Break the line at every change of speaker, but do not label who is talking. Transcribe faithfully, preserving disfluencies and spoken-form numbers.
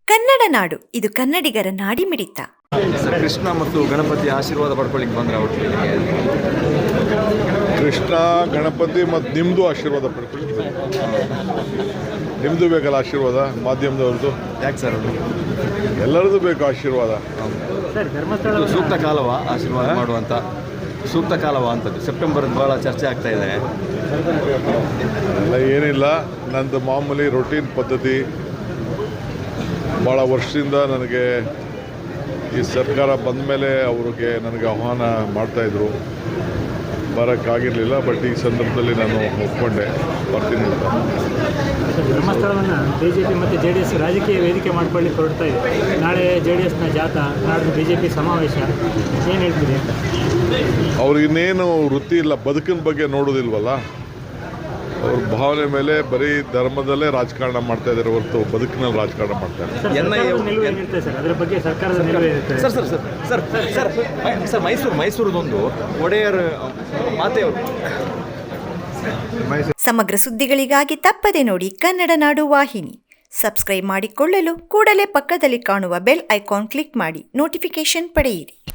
ಕನ್ನಡ ನಾಡು, ಇದು ಕನ್ನಡಿಗರ ನಾಡಿಮಿಡಿತ.
ಕೃಷ್ಣ ಮತ್ತು ಗಣಪತಿ ಆಶೀರ್ವಾದ ಪಡ್ಕೊಳ್ಳಿಕ್ಕೆ ಬಂದ್ರೆ ಅವ್ರಿಗೆ
ಕೃಷ್ಣ ಗಣಪತಿ ಮತ್ತು ನಿಮ್ಮದು ಆಶೀರ್ವಾದ ಪಡ್ಕೊಳ್ಳಿ. ನಿಮ್ಮದು ಬೇಕಲ್ಲ ಆಶೀರ್ವಾದ, ಮಾಧ್ಯಮದವ್ರದ್ದು.
ಯಾಕೆ ಸರ್ ಅದು
ಎಲ್ಲರದ್ದು ಬೇಕು ಆಶೀರ್ವಾದ.
ಇದು ಸೂಕ್ತ ಕಾಲವ ಆಶೀರ್ವಾದ ಮಾಡುವಂಥ ಸೂಕ್ತ ಕಾಲವ ಅಂತದ್ದು? ಸೆಪ್ಟೆಂಬರ್ ಭಾಳ ಚರ್ಚೆ ಆಗ್ತಾ ಇದೆ.
ಎಲ್ಲ ಏನಿಲ್ಲ, ನಂದು ಮಾಮೂಲಿ ರೊಟೀನ್ ಪದ್ಧತಿ. ಭಾಳ ವರ್ಷದಿಂದ ನನಗೆ ಈ ಸರ್ಕಾರ ಬಂದ ಮೇಲೆ ಅವ್ರಿಗೆ ನನಗೆ ಆಹ್ವಾನ ಮಾಡ್ತಾಯಿದ್ರು, ಬರೋಕ್ಕಾಗಿರಲಿಲ್ಲ. ಬಟ್ ಈ ಸಂದರ್ಭದಲ್ಲಿ ನಾನು ಒಪ್ಕೊಂಡೆ, ಬರ್ತೀನಿ ಅಂತ.
ಧರ್ಮಸ್ಥಳವನ್ನು ಬಿ ಜೆ ಪಿ ಮತ್ತು ಜೆ ಡಿ ಎಸ್ ರಾಜಕೀಯ ವೇದಿಕೆ ಮಾಡ್ಕೊಳ್ಳಿಕ್ಕೆ ಹೊರಡ್ತಾ ಇದೆ. ನಾಳೆ ಜೆ ಡಿ ಎಸ್ನ ಜಾಥಾ, ನಾಡ್ದು ಬಿ ಜೆ ಪಿ ಸಮಾವೇಶ, ಏನು ಹೇಳ್ತೀರಿ ಅಂತ?
ಅವ್ರಿಗಿನ್ನೇನು ವೃತ್ತಿ ಇಲ್ಲ, ಬದುಕಿನ ಬಗ್ಗೆ ನೋಡೋದಿಲ್ವಲ್ಲ. ಅವ್ರ ಭಾವನೆ ಮೇಲೆ ಬರೀ ಧರ್ಮದಲ್ಲೇ ರಾಜಕಾರಣ ಮಾಡ್ತಾ ಇದ್ದಾರೆ ಹೊರತು ಬದುಕಿನಲ್ಲಿ ರಾಜಕಾರಣ ಮಾಡ್ತಾರೆ.
ಅದರ ಬಗ್ಗೆ ಸರ್ಕಾರದ ನಿಲುವು ಇರುತ್ತೆ.
Sir sir sir sir sir sir Mysuru ಮೈಸೂರದೊಂದು ಒಡೆಯರ್ ಮಾತೆಯವರು.
ಸಮಗ್ರ ಸುದ್ದಿಗಳಿಗಾಗಿ ತಪ್ಪದೆ ನೋಡಿ ಕನ್ನಡ ನಾಡು ವಾಹಿನಿ. ಸಬ್ಸ್ಕ್ರೈಬ್ ಮಾಡಿಕೊಳ್ಳಲು ಕೂಡಲೇ ಪಕ್ಕದಲ್ಲಿ ಕಾಣುವ ಬೆಲ್ ಐಕಾನ್ ಕ್ಲಿಕ್ ಮಾಡಿ ನೋಟಿಫಿಕೇಶನ್ ಪಡೆಯಿರಿ.